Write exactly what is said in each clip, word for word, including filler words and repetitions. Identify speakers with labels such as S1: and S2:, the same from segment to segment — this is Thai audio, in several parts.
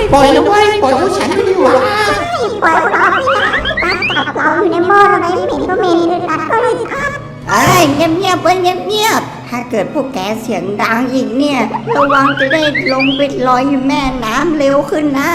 S1: ปล่อยนะเว้ยปล่อยพวกฉันไม่ดีกว่า
S2: ปล่อยเราไม่ได้ปลาจับเราอยู่ในหม้อทำไมเหม็นก็เหม็นอึดอัดก็เลยครับ
S3: เอ้ยเงียบๆเว้ยเงียบๆถ้าเกิดพวกแกเสียงดังอีกเนี่ยระวังจะได้ลงไปลอยอยู่แม่น้ำเร็วขึ้นนะ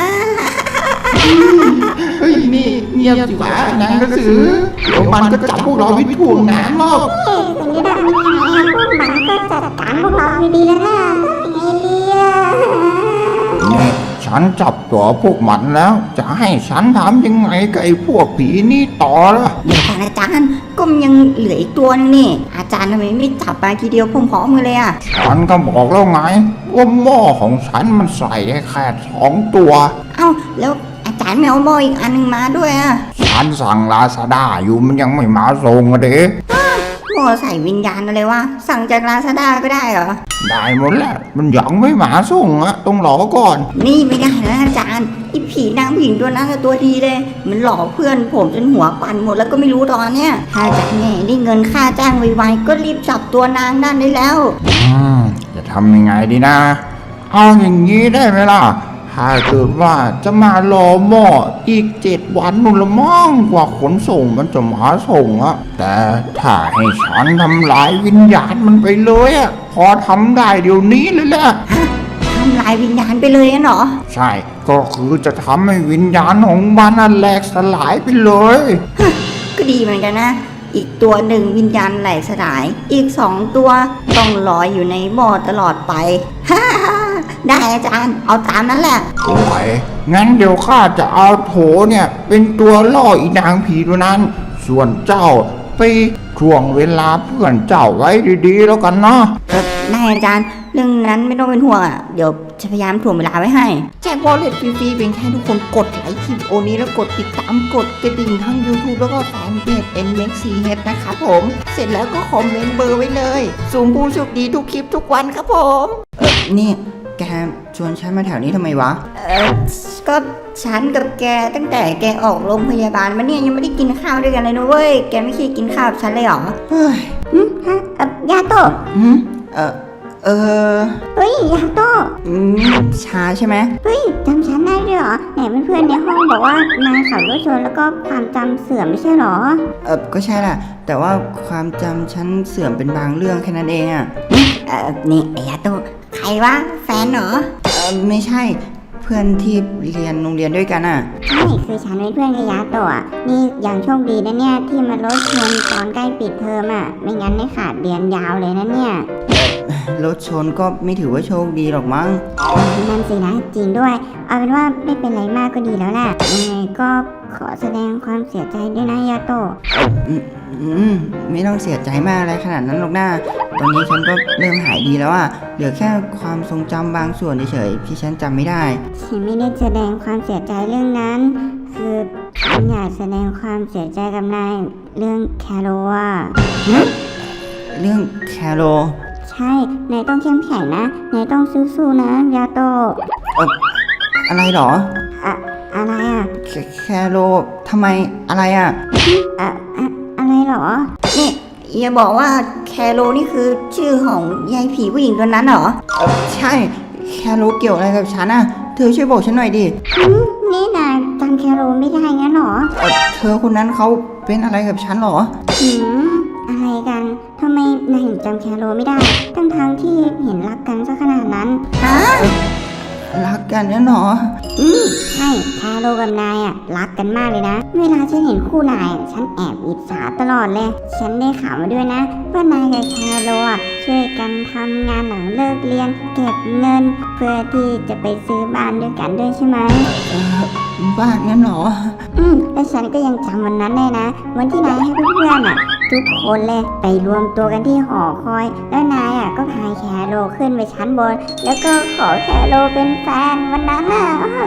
S1: เฮ้ยนี่เงียบสิวะนางกระสือเดี๋ยวมันก็จับพวกเราไปถ่วงน้ำหรอก
S2: เอ๊ะสิ่งที่ทำยังไงอะพวกมันก็จัดการพวกเราดีๆแล้วนะไงเลีย
S4: นี่ฉันจับตัวพวกมันแล้วจะให้ฉันทำยังไงกับไอ้พวกผีนี่ต่อล่ะ
S3: เดี๋ยวอาจารย์ก็ยังเหลืออีกตัวนึงนี่อาจารย์ทำไมไม่จับไปทีเดียวพร้อมๆกันเลยอ่ะ
S4: ฉันก็บอกแล้วไงว่าหม้อของฉันมันใส่ได้แค่สองตัว
S3: เอ้าแล้วอาจารย์ไม่เอาหม้ออีกอันนึงมาด้วยอ่ะ
S4: ฉันสั่งลาซาด้าอยู่มันยังไม่มาส่งอะเด็ก
S3: หม้อใส่วิญญาณอะไรวะสั่งจากลาซาด้าก็ได้เหรอ
S4: ได้หมดแล้วมันยังไม่มาส่งอะต้องรอก่อน
S3: นี่ไม่ได้นะอาจารย์ไอ้ผีนางผู้หญิงตัวนั้นตัวดีเลยมันหลอกเพื่อนผมจนหัวปั่นหมดแล้วก็ไม่รู้ตอนเนี้ยถ้าจากไงได้เงินค่าจ้างไวๆก็รีบจับตัวนางนั่นได้แล้ว
S4: อืมจะทำยังไงดีนะเอาอย่างนี้ได้ไหมล่ะถ้าเกิดว่าจะมารอหม้ออีกเจ็ดวันนู่นละมั่งกว่าขนส่งมันจะมาส่งอะแต่ถ้าให้ฉันทำลายวิญญาณมันไปเลยอะพอทำได้เดี๋ยวนี้เลยแหละ
S3: ทำลายวิญญาณไปเลยเหรอ
S4: ใช่ก็คือจะทำให้วิญญาณของมันแหลกสลายไปเลย
S3: ก็ดีเหมือนกันนะอีกตัวหนึ่งวิญญาณแหลกสลายอีกสองตัวต้องลอยอยู่ในหม้อตลอดไปฮ่าได้อาจารย์เอาตามนั้นแหละ
S4: โอ้ยงั้นเดี๋ยวข้าจะเอาโถเนี่ยเป็นตัวล่ออีนางผีตัวนั้นส่วนเจ้าไปช่วงเวลาเพื่อนเจ้าไว้ดีๆแล้วกันเนาะ
S3: ได้อาจารย์เรื่องนั้นไม่ต้องเป็นห่วงอ่ะเดี๋ยวจะพยายามถ่วงเวลาไว้ให้
S1: แจกวอลเล็ตฟรีๆเพียงแค่ทุกคนกดไลค์คลิปโอนี้แล้วกดติดตามกดกระดิ่งทั้ง YouTube แล้วก็แฟนเพจ เอ็น เอ็ม ซี เอช นะครับผมเสร็จแล้วก็คอมเมนต์เบอร์ไว้เลยสุ่มผู้โชคดีทุกคลิปทุกวันครับผม
S3: เออนี่แกชวนฉันมาแถวนี้ทำไมวะเออก็ฉันกับแกตั้งแต่แกออกโรงพยาบาลมาเนี่ยยังไม่ได้กินข้าวด้วยกันเลยนะเว้ยแกไม่เคยกินข้าวฉันเลยเหรอ
S2: เฮ้ยฮะเอ่อยาโตะ
S3: หืมเออเออ
S2: เฮ้ยยาโตะ
S3: อืมชาใช่ไหม
S2: เฮ้ยจำฉันได้ด้วยเหรอไหนเพื่อนๆในห้องบอกว่านายขับรถชนแล้วก็ความจำเสื่อมไม่ใช่หรอ
S3: เออก็ใช่แหละแต่ว่าความจำฉันเสื่อมเป็นบางเรื่องแค่นั้นเองอ่ะเออนี่ไอ้ยาโตะใครวะแฟนเหรอเออไม่ใช่เพื่อนที่เรียนโรงเรียนด้วยกันอ่ะ
S2: ใช่คือฉันเป็นเพื่อนกับยาโตะนี่อย่างโชคดีนะเนี่ยที่มารถชนตอนใกล้ปิดเทอมอ่ะไม่งั้นได้ขาดเรียนยาวเลยนะเนี่ย
S3: รถชนก็ไม่ถือว่าโชคดีหรอกมั้ง
S2: นั่นสินะจริงด้วยเอาเป็นว่าไม่เป็นไรมากก็ดีแล้วแหละยังไงก็ขอแสดงความเสียใจด้วยนะยาโตะ
S3: อืมอืมไม่ต้องเสียใจมากอะไรขนาดนั้นหรอกนะตอนนี้ฉันก็เริ่มหายดีแล้วอ่ะเหลือแค่ความทรงจำบางส่วนเฉยๆที่ฉันจำไม่ได้
S2: ฉันไม่ได้แสดงความเสียใจเรื่องนั้นคือฉันอยากแสดงความเสียใจกับนายเรื่องแคโรอ่ะ
S3: เรื่องแคโร
S2: ใช่นายต้องเข้มแข็งนะนายต้องสู้ๆนะยาโตะ
S3: เอ่ออะไรหรอ
S2: อะอะไรอ่ะ
S3: แคโรทำไมอะไรอ่ะ
S2: อะอะอะไรหรอ
S3: นี่อย่าบอกว่าแคโรนี่คือชื่อของยายผีผู้หญิงตัวนั้นหรอเออใช่แคโรเกี่ยวอะไรกับฉันอ่ะเธอช่วยบอกฉันหน่อยดิ
S2: นี่นายจำแคโรไม่ได้งั้นหรอ
S3: เออเธอคนนั้นเขาเป็นอะไรกับฉันหรอ
S2: หืมอะไรกันทำไมนายถึงจำแคโรไม่ได้ทั้งทางที่เห็นรักกันซะขนาดนั้น
S3: ฮะรักกันเนี่ยหรอ
S2: อืมใช่แคโรกับนายอ่ะรักกันมากเลยนะเวลาฉันเห็นคู่นายฉันแอบอิจฉาตลอดเลยฉันได้ข่าวมาด้วยนะว่านายกับแคโรอ่ะช่วยกันทำงานหลังเลิกเรียนเก็บเงินเพื่อที่จะไปซื้อบ้านด้วยกันด้วยใช่ไหม
S3: เออบ้านงั้นหรอ
S2: อืมและฉันก็ยังจำวันนั้นได้นะวันที่นายให้เพื่อนๆอ่ะทุกคนเลยไปรวมตัวกันที่หอคอยแล้วนายอ่ะก็พาแคโรขึ้นไปชั้นบนแล้วก็ขอแคโรเป็นแฟนวันนั้นอ่ะ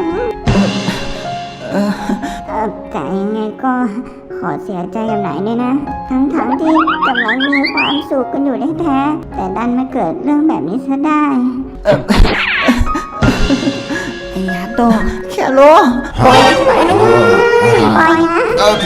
S2: เออแต่ยังไงก็ขอเสียใจกับนายด้วยนะทั้งๆที่กำลังมีความสุขกันอยู่แท้ๆแต่ดันมาเกิดเรื่องแบบนี้ซะได้
S3: ไอ้ยาโตแคโรปล่อยไปนะ
S2: ปล่อยนะ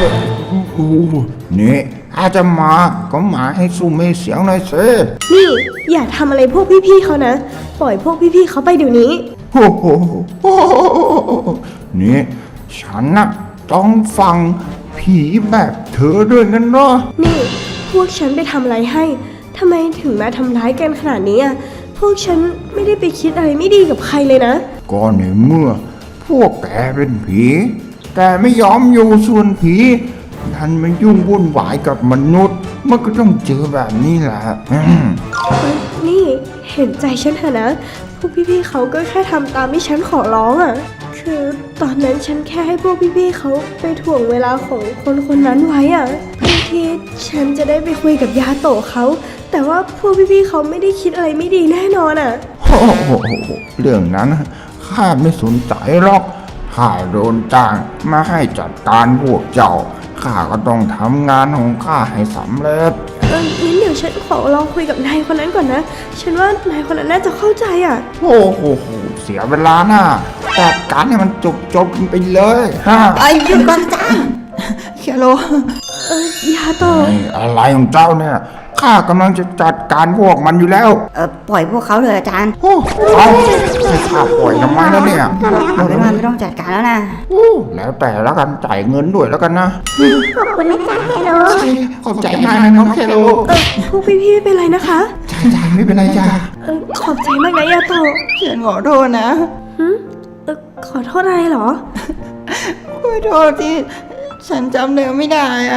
S4: นี่ถ้าจะมาก็มาให้สู้ไม่เสียงหน่อยสิ
S5: นี่อย่าทำอะไรพวกพี่ๆเขานะปล่อยพวกพี่ๆเขาไปเดี๋ยวนี้
S4: โอ้โหโอ้โหนี่ฉันน่ะต้องฟังผีแบบเธอด้วยกันเนาะ
S5: นี่พวกฉันไปทำอะไรให้ทำไมถึงมาทำร้ายกันขนาดนี้อ่ะพวกฉันไม่ได้ไปคิดอะไรไม่ดีกับใครเลยนะ
S4: ก็ในเมื่อพวกแกเป็นผี แต่ไม่ยอมอยู่ส่วนผีดันมายุ่งวุ่นวายกับมนุษย์ มันก็ต้องเจอแบบนี้แหละอืม
S5: เอ้ยนี่เห็นใจฉันเถอะนะ พวกพี่ๆเขาก็แค่ทำตามที่ฉันขอร้องอะ่ะ คือตอนนั้นฉันแค่ให้พวกพี่ๆเขาไปถ่วงเวลาของคนคนนั้นไว้อะ่ะเพื่อที่ฉันจะได้ไปคุยกับยาโตะเขา แต่ว่าพวกพี่ๆเขาไม่ได้คิดอะไรไม่ดีแน่นอนอะ่ะ
S4: โอ้โหเรื่องนั้นข้าไม่สนใจหรอกข้าโดนจ้างมาให้จัดการพวกเจ้าข้าก็ต้องทำงานของข้าให้สำเร็จ
S5: เอองั้นเดี๋ยวฉันขอลองคุยกับนายคนนั้นก่อนนะ ฉันว่านายคนนั้นน่าจะเข้าใจอ่ะ
S4: โอ้โหเสียเวลาน่ะจัดการให้มันจบจบๆไปเลยฮะ
S3: ไอ้ยหยุดก่อนจ้าแคโร
S5: เออยาโตะ
S4: นี่อะไรของเจ้าเนี่ยข้ากำลังจะจัดการพวกมันอยู่แล้ว
S3: เออปล่อยพวกเขาเลยอาจารย์
S4: โอ้เอาให้ข้าปล่อยทำไมแล้วเนี่ย
S3: เอาเป็นว่าไม่ต้องจัดการแล้วนะ
S4: โอ้แล้วแต่แล้วกันจ่ายเงินด้วยแล้วกันนะ
S2: ขอบคุณนะจ๊ะแคโร
S4: ขอบใจมากนะน้องเคโล
S5: เออพวกพี่ๆไม่เป็นไรนะคะ
S4: จ่ายจ่ายไม่เป็นไรจ้า
S5: เออขอบใจมากนะยาโตะ
S1: ฉันขอโทษนะ
S5: หึเออขอโทษอะไรเหรอ
S1: ขอโทษที่ฉันจำเนื้อไม่ได้อะ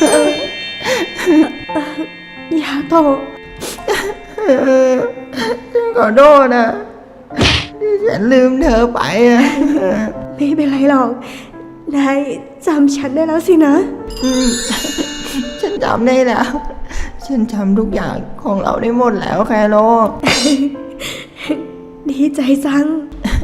S5: ยาโตะ
S1: เออฉันขอโทษนะที่ฉันลืมเธอไปอะ
S5: ไม่เป็นไรหรอก นายจำฉันได้แล้วสินะ
S1: อืมฉันจำได้แล้ว ฉันจำทุกอย่างของเราได้หมดแล้วแคโร
S5: ดีใจจัง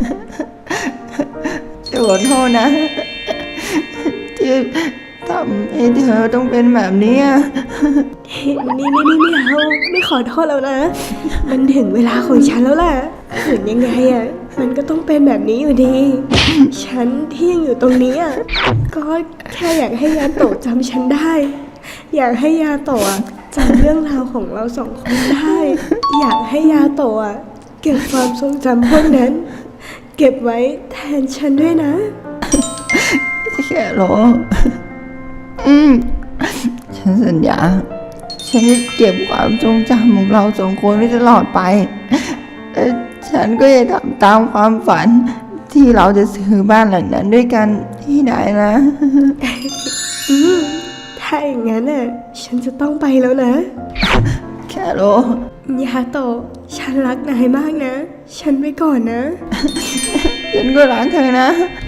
S1: ฉันขอโทษนะ ที่ทำให้เธอต้องเป็นแบบนี้อะ
S5: นี่นี่นี่ไม่เอาไม่ขอโทษแล้วนะ มันถึงเวลาของฉันแล้วล่ะถึงยังไงอ่ะ มันก็ต้องเป็นแบบนี้อยู่ดี ฉันที่ยังอยู่ตรงนี้อ่ะ ก็แค่อยากให้ยาโตะจำฉันได้ อยากให้ยาโตะอะจำเรื่องราวของเราสองคนได้ อยากให้ยาโตะอะเก็บความทรงจำพวกนั้น เก็บไว้แทนฉันด้วยนะ
S1: แค่รออืม ฉันสัญญา ฉันจะเก็บความทรงจำของเราสองคนไว้ตลอดไปและฉันก็จะทำตามความฝัน ที่เราจะซื้อบ้านหลังนั้นด้วยกันที่ไหนนะ
S5: อืมถ้าอย่างนั้นน่ะ ฉันจะต้องไปแล้วนะ
S1: แค่ร
S5: ยาโตะฉันรักนายมากนะ ฉันไปก่อนนะ
S1: ฉันก็รักเธอนะ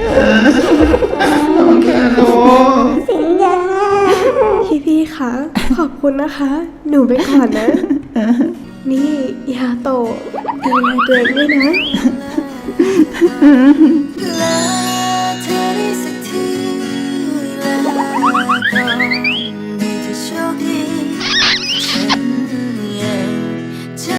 S2: สินยา
S5: พี่พี่ๆคะขอบคุณนะคะ หนูไปก่อนนะ นี่ยาโตะดูแลตัวเองด้วยนะ
S1: ลา